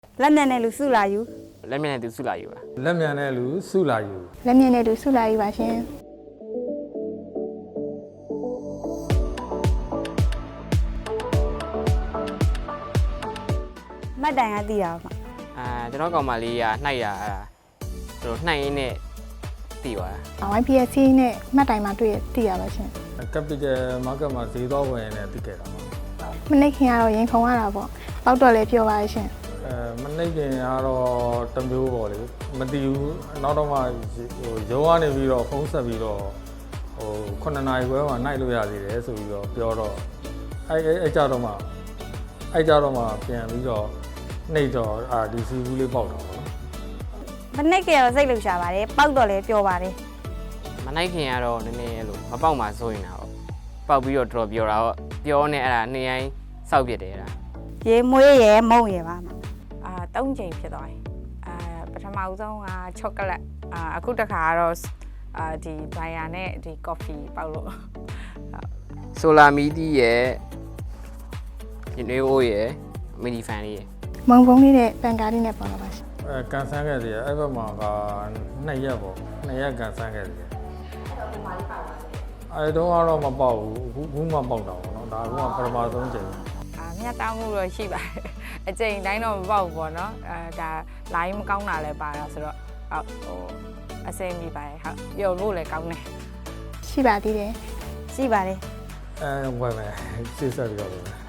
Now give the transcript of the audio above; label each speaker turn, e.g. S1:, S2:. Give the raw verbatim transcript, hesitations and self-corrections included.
S1: လက်မြန်တဲ့လူစုလာယူ
S2: လက်မြန်တဲ့သူစုလာယူပါ
S3: လက်မြန်တဲ့လူစုလာယူ
S4: လက်မြင်တဲ့သူစုလာယူပါရှင်
S1: မှတ်တိုင်ကသိရပါမှာ
S2: အာကျွန်တော်ကောင်မလေးကနှိုက်ရအဲ့ဒါတို့နှိုက်ရင်းနဲ့တည်သွားတာ
S4: ဝိုင်း พี เอส စီနဲ့မှတ်တိုင်မှာတွေ့ရသိရပါရှင်
S3: capital market မှာဈေးသွားဝင်နေသိခဲ့တာပါ
S4: မနေ့ခင်ကတော့ရင်ခုံရတာပေါ့ပေါက်တော့လည်းပြောပါရှင်
S3: အဲမနေ့ကကတော့တမျိုးပေါ့လေမတည်ဘူးနောက်တော့မှဟိုရုံးကနေပြီးတော့ဖုန်းဆက်ပြီးတော့ဟိုခုနှစ်နာရီခွဲမှာနိုင်လို့ရသေးတယ်ဆိုပြီးတော့ပြောတော့အဲအဲကြတော့မှအဲကြတော့မှပြန်ပြီးတော့နှိပ်တော့အာဒီစီဘူးလေးပေါက်တော့ပေါ့နော်
S1: မနေ့ကတော့စိတ်လှုပ်ရှားပါတယ်ပေါက်တော့လည်းပြောပါတယ်
S2: မနိုင်ခင်ကတော့နည်းနည်းအဲ့လိုမပေါက်မှစိုးရင်တာပေါ့ပေါက်ပြီးတော့တော်ပြောတာပေါ့ပြောနေအဲ့ဒါနေတိုင်းစောက်ပြစ်တယ်အဲ့ဒါ
S1: ရေမွေးရယ်မုံရယ်ပါမှာ
S5: အာသုံးချိန်ဖြစ်သွားတယ်အာပထမဦးဆုံးကချောကလက်အာအခုတစ်ခါကတော့အာဒီဘိုင်ယာနဲ့ဒီကော်ဖီပေါက်လို့
S2: ဆိုလာမီတီရဲ့ဒီနေအိုးရဲ့မီနီဖန်လေးရဲ့
S4: မုံဖုံးလေးနဲ့ပန်ကားလေးနဲ့ပေါက်လာပါရှင်
S3: အဲကန်ဆန်းခဲ့သေးတယ်အဲ့ဘက်မှာကနှစ်ရက်ပေါ့နှစ်ရက်ကန်ဆန်းခဲ့သေးတယ်အဲ့တော့ကတော့မပေါက်ဘူးအခုခုမှပေါက်တာပေါ့နော်ဒါကပထမဆုံးချိန်
S5: အာမြတ်တောင်းမှုတော့ရှိပါတယ်အချိန်တိုင်းတော့မပေါက်ဘူးပေါ့နော်အာဒါလိုင်းမကောင်းတာလည်းပါတာဆိုတော့ဟုတ်ဟိုအစိမ်းမိပါတယ်ဟုတ်ပြုံလို့လည်းကောင်းတယ်
S4: ရှိပါသေးတယ်
S1: ရှိပါတယ်
S3: အဲဝယ်မယ်စစ်ဆက်ပြီးတော့